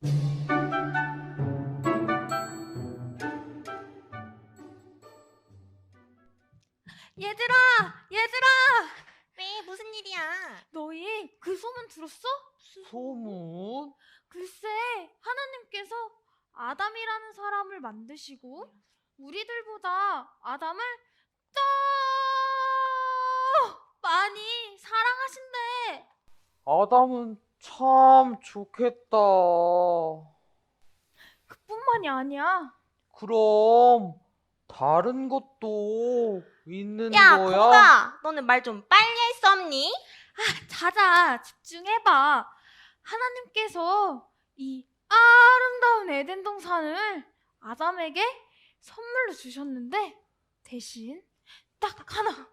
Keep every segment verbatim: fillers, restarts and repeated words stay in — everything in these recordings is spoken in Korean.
얘들아! 얘들아! 왜? 무슨 일이야? 너희 그 소문 들었어? 소문? 글쎄, 하나님께서 아담이라는 사람을 만드시고 우리들보다 아담을 더 많이 사랑하신대. 아담은 참 좋겠다. 그뿐만이 아니야. 그럼 다른 것도 있는 야, 거야? 거북아, 너는 말 좀 빨리 할 수 없니? 자자, 집중해봐. 하나님께서 이 아름다운 에덴 동산을 아담에게 선물로 주셨는데 대신 딱 하나,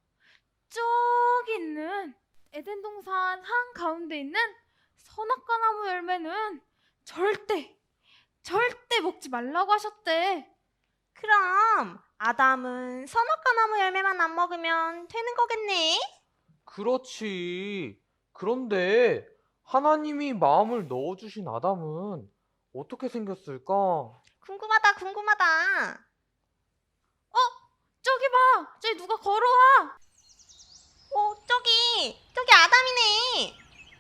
저기 있는 에덴 동산 한가운데 있는 선악과 나무 열매는 절대 절대 먹지 말라고 하셨대. 그럼 아담은 선악과 나무 열매만 안 먹으면 되는 거겠네? 그렇지. 그런데 하나님이 마음을 넣어주신 아담은 어떻게 생겼을까? 궁금하다, 궁금하다. 저기 봐, 저기 누가 걸어와. 어, 저기, 저기 아담이네.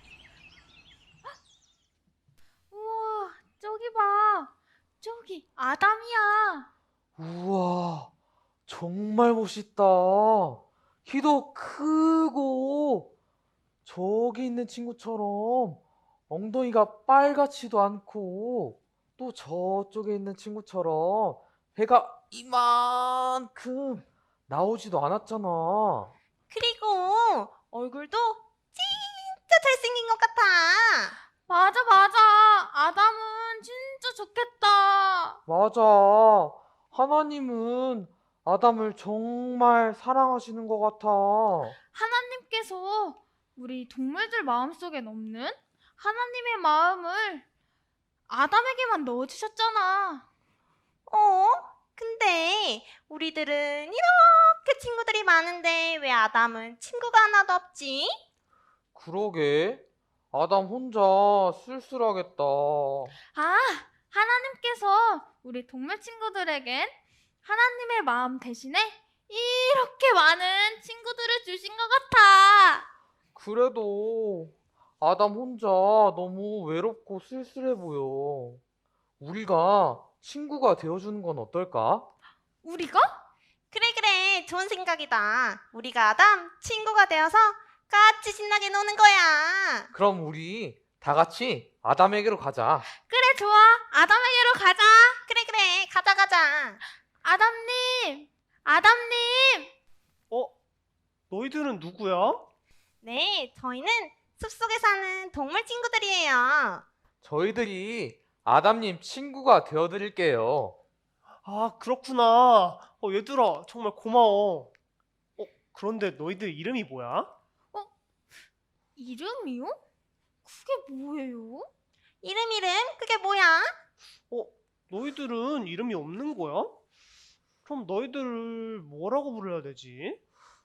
우와, 저기 봐, 저기 아담이야. 우와, 정말 멋있다. 키도 크고 저기 있는 친구처럼 엉덩이가 빨갛지도 않고 또 저쪽에 있는 친구처럼 배가 이만큼 나오지도 않았잖아. 그리고 얼굴도 진짜 잘생긴 것 같아. 맞아, 맞아. 아담은 진짜 좋겠다. 맞아. 하나님은 아담을 정말 사랑하시는 것 같아. 하나님께서 우리 동물들 마음속에 없는 하나님의 마음을 아담에게만 넣어주셨잖아. 어? 근데 우리들은 이렇게 친구들이 많은데 왜 아담은 친구가 하나도 없지? 그러게. 아담 혼자 쓸쓸하겠다. 아, 하나님께서 우리 동물 친구들에겐 하나님의 마음 대신에 이렇게 많은 친구들을 주신 것 같아. 그래도 아담 혼자 너무 외롭고 쓸쓸해 보여. 우리가 친구가 되어주는 건 어떨까? 우리가? 그래 그래 좋은 생각이다. 우리가 아담 친구가 되어서 같이 신나게 노는 거야. 그럼 우리 다 같이 아담에게로 가자. 그래, 좋아. 아담에게로 가자. 그래 그래 가자 가자. 아담님, 아담님. 어? 너희들은 누구야? 네 저희는 숲속에 사는 동물 친구들이에요. 저희들이 아담님 친구가 되어드릴게요. 아, 그렇구나. 어, 얘들아, 정말 고마워. 어, 그런데 너희들 이름이 뭐야? 이름이요? 그게 뭐예요? 이름 이름 그게 뭐야? 어, 너희들은 이름이 없는 거야? 그럼 너희들을 뭐라고 불러야 되지?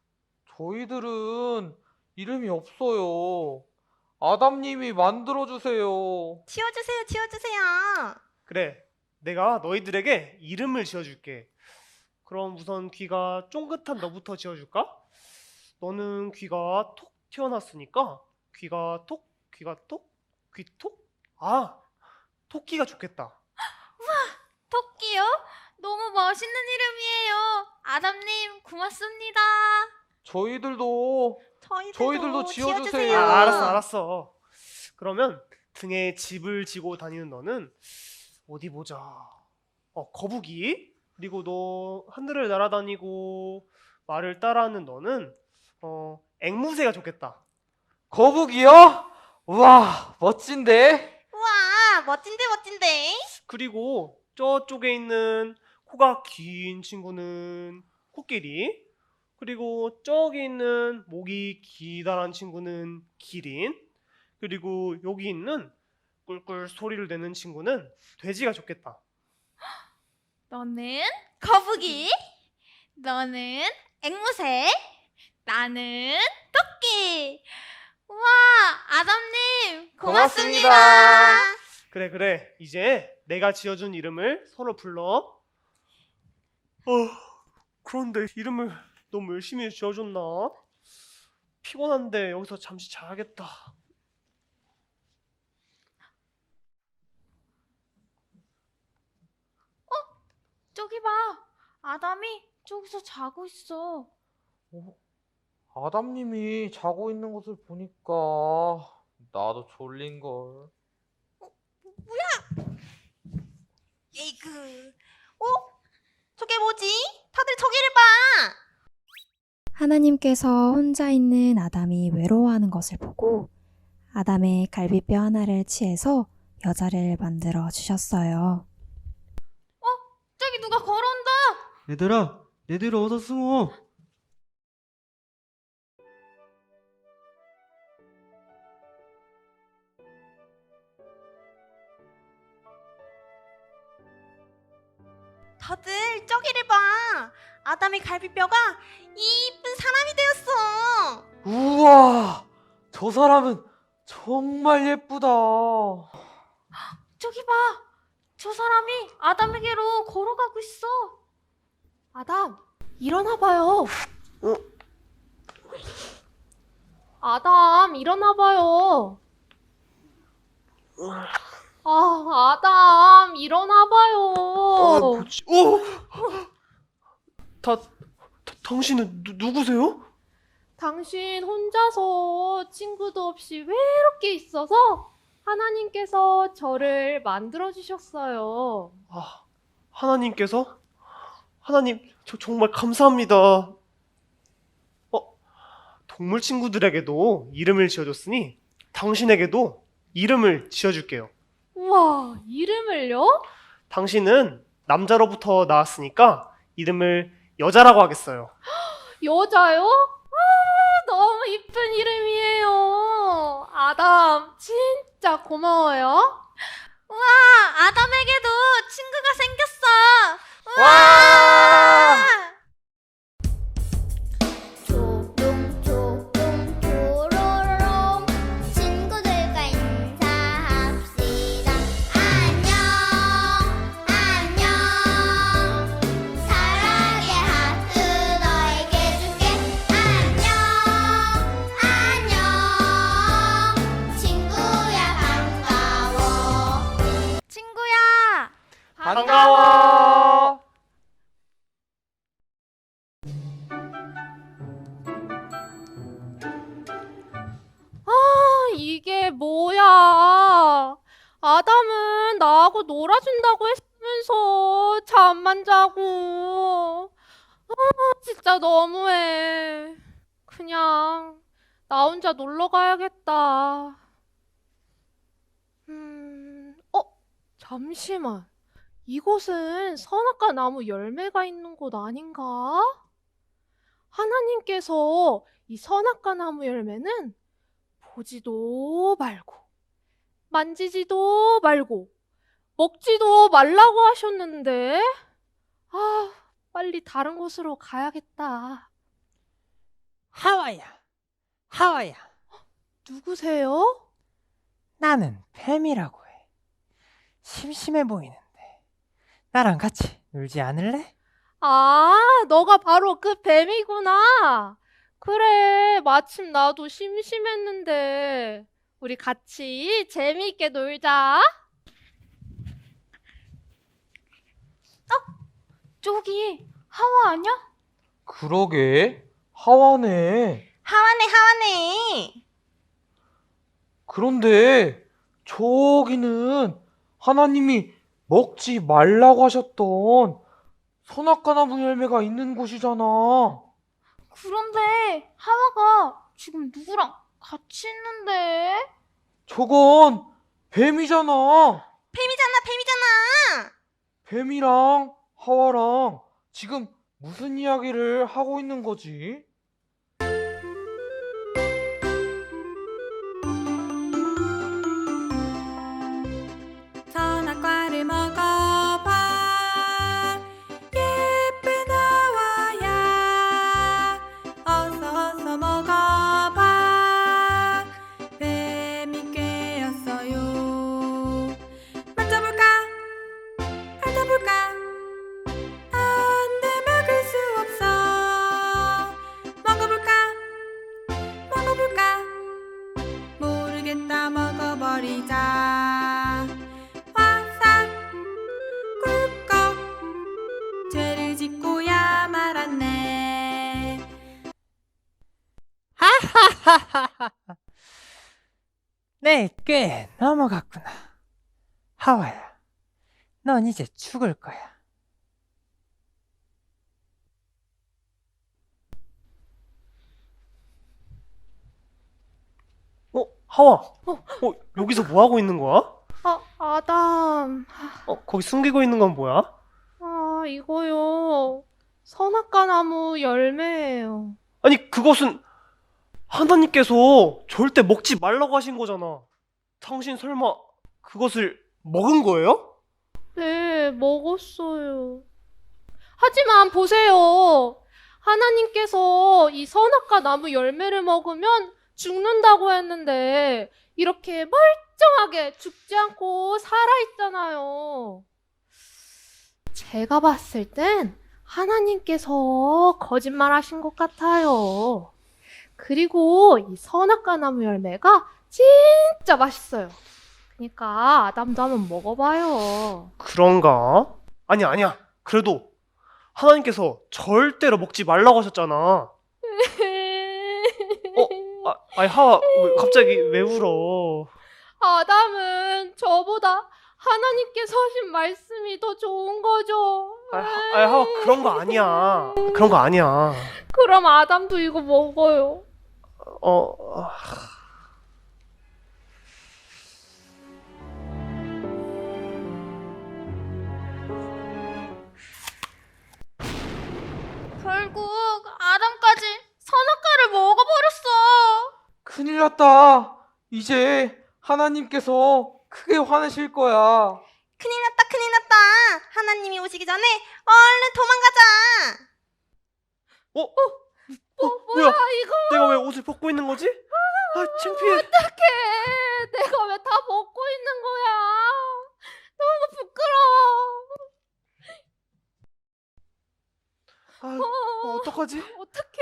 저희들은 이름이 없어요. 아담님이 만들어주세요. 지어주세요 지어주세요. 그래, 내가 너희들에게 이름을 지어줄게. 그럼 우선 귀가 쫑긋한 너부터 지어줄까? 너는 귀가 톡 튀어났으니까 귀가 톡, 귀가 톡, 귀 톡? 아, 토끼가 좋겠다. 토끼요? 너무 멋있는 이름이에요. 아담님, 고맙습니다. 저희들도 저희들도, 저희들도 지어주세요. 아, 야. 알았어, 알았어. 그러면 등에 집을 지고 다니는 너는 어디 보자. 어, 거북이. 그리고 너 하늘을 날아다니고 말을 따라하는 너는 어, 앵무새가 좋겠다. 거북이요? 우와, 멋진데? 우와 멋진데 멋진데. 그리고 저쪽에 있는 코가 긴 친구는 코끼리. 그리고 저기 있는 목이 기다란 친구는 기린. 그리고 여기 있는 꿀꿀 소리를 내는 친구는 돼지가 좋겠다. 너는 거북이, 너는 앵무새, 나는 토끼. 우와, 아담님, 고맙습니다. 고맙습니다. 그래, 그래. 이제 내가 지어준 이름을 서로 불러. 어, 그런데 이름을 너무 열심히 지어줬나? 피곤한데 여기서 잠시 자야겠다. 저기 봐. 아담이 저기서 자고 있어. 어? 아담님이 자고 있는 것을 보니까 나도 졸린걸. 에이그. 어? 저게 뭐지? 다들 저기를 봐. 하나님께서 혼자 있는 아담이 외로워하는 것을 보고 아담의 갈비뼈 하나를 치해서 여자를 만들어 주셨어요. 저기 누가 걸어온다. 얘들아, 얘들아 어서 숨어. 다들 저기를 봐. 아담의 갈비뼈가 이쁜 사람이 되었어. 우와, 저 사람은 정말 예쁘다. 저기 봐. 저 사람이 아담에게로 걸어가고 있어. 아담, 일어나 봐요. 아담, 일어나 봐요. 아, 아담, 일어나 봐요. 아, 뭐지? 어! 다, 다 당신은 누, 누구세요? 당신 혼자서 친구도 없이 외롭게 있어서 하나님께서 저를 만들어 주셨어요. 아, 하나님께서? 하나님, 저 정말 감사합니다. 어, 동물 친구들에게도 이름을 지어줬으니 당신에게도 이름을 지어줄게요. 우와, 이름을요? 당신은 남자로부터 나왔으니까 이름을 여자라고 하겠어요. 여자요? 아, 너무 이쁜 이름이에요. 아담, 진짜 고마워요. 우와, 아담에게도 친구가 생겼어. 와! 조롱 조롱 조로롱 친구들과 인사합시다. 안녕 안녕 사랑의 하트 너에게 줄게. 안녕 안녕 친구야 반가워. 친구야. 반가워. 아, 이게 뭐야? 아담은 나하고 놀아준다고 했으면서 잠만 자고. 아, 진짜 너무해. 그냥 나 혼자 놀러 가야겠다. 음, 어, 잠시만. 이곳은 선악과 나무 열매가 있는 곳 아닌가? 하나님께서 이 선악과 나무 열매는 보지도 말고, 만지지도 말고, 먹지도 말라고 하셨는데, 아, 빨리 다른 곳으로 가야겠다. 하와야, 하와야, 누구세요? 나는 뱀이라고 해. 심심해 보이는데, 나랑 같이 놀지 않을래? 아, 너가 바로 그 뱀이구나. 그래, 마침 나도 심심했는데, 우리 같이 재미있게 놀자. 저기 하와 아니야? 그러게, 하와네. 하와네 하와네. 그런데 저기는 하나님이 먹지 말라고 하셨던 선악과 나무 열매가 있는 곳이잖아. 그런데 하와가 지금 누구랑 같이 있는데? 저건 뱀이잖아. 뱀이잖아 뱀이잖아. 뱀이랑 하와랑 지금 무슨 이야기를 하고 있는 거지? 선악과를 먹어봐 예쁜 하와야 어서 어서 먹어봐 뱀이 꿰었어요 내일 꽤 넘어갔구나. 하와야, 넌 이제 죽을 거야. 어, 하와. 어, 여기서 뭐 하고 있는 거야? 아, 아담. 어, 거기 숨기고 있는 건 뭐야? 아, 이거요. 선악과 나무 열매예요. 아니, 그것은 하나님께서 절대 먹지 말라고 하신 거잖아. 당신 설마 그것을 먹은 거예요? 네, 먹었어요. 하지만 보세요. 하나님께서 이 선악과 나무 열매를 먹으면 죽는다고 했는데 이렇게 멀쩡하게 죽지 않고 살아있잖아요. 제가 봤을 땐 하나님께서 거짓말 하신 것 같아요. 그리고 이 선악과 나무 열매가 진짜 맛있어요. 그러니까 아담도 한번 먹어봐요. 그런가? 아니, 아니야. 그래도 하나님께서 절대로 먹지 말라고 하셨잖아. 어? 아, 아니, 하와, 왜, 갑자기 왜 울어? 아담은 저보다 하나님께서 하신 말씀이 더 좋은 거죠. 아, 하, 아니, 하와, 그런 거 아니야. 그런 거 아니야. 그럼 아담도 이거 먹어요. 어, 아, 결국 아담까지 선악과를 먹어버렸어. 큰일 났다. 이제 하나님께서 크게 화내실 거야. 큰일 났다, 큰일 났다. 하나님이 오시기 전에 얼른 도망가자. 어? 뭐, 어, 뭐야, 뭐야? 이거? 내가 왜 옷을 벗고 있는 거지? 아, 창피해. 어떡해. 내가 왜 다 먹고 있는 거야. 너무 부끄러워. 아, 어, 어떡하지? 어떡해.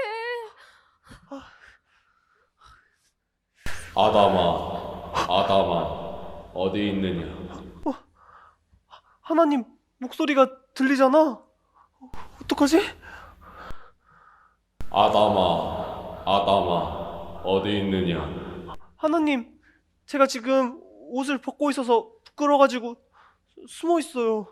아담아, 아담아, 어디 있느냐? 하나님 목소리가 들리잖아. 어, 어떡하지? 아담아, 아담아, 어디 있느냐? 하나님, 제가 지금 옷을 벗고 있어서 부끄러워가지고 숨어 있어요.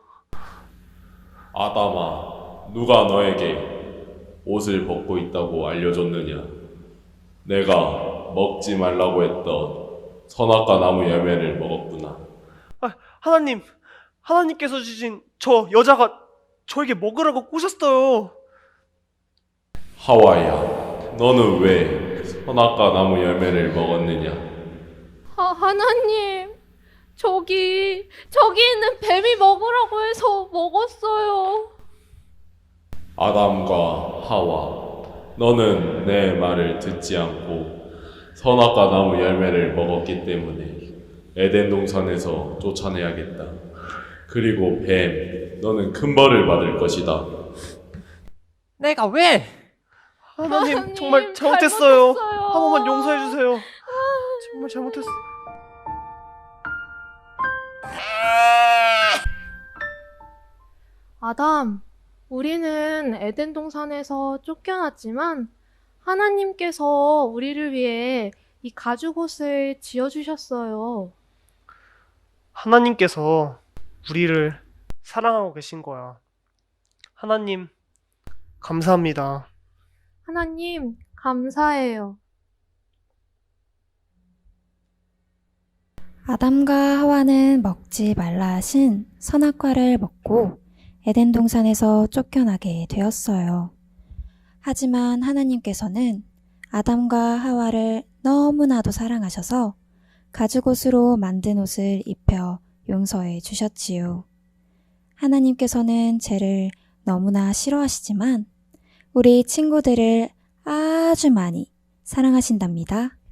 아담아, 누가 너에게 옷을 벗고 있다고 알려줬느냐? 내가 먹지 말라고 했던 선악과 나무 열매를 먹었구나. 아, 하나님, 하나님께서 주신 저 여자가 저에게 먹으라고 꼬셨어요. 하와야, 너는 왜 선악과 나무 열매를 먹었느냐? 아, 하나님. 저기, 저기 있는 뱀이 먹으라고 해서 먹었어요. 아담과 하와, 너는 내 말을 듣지 않고 선악과 나무 열매를 먹었기 때문에 에덴 동산에서 쫓아내야겠다. 그리고 뱀, 너는 큰 벌을 받을 것이다. 내가 왜? 하나님, 하나님, 정말 잘못했어요. 잘못했어요. 한 번만 용서해 주세요. 정말 잘못했어. 아담, 우리는 에덴 동산에서 쫓겨났지만 하나님께서 우리를 위해 이 가죽옷을 지어주셨어요. 하나님께서 우리를 사랑하고 계신 거야. 하나님, 감사합니다. 하나님, 감사해요. 아담과 하와는 먹지 말라 하신 선악과를 먹고 에덴 동산에서 쫓겨나게 되었어요. 하지만 하나님께서는 아담과 하와를 너무나도 사랑하셔서 가죽옷으로 만든 옷을 입혀 용서해 주셨지요. 하나님께서는 죄를 너무나 싫어하시지만 우리 친구들을 아주 많이 사랑하신답니다.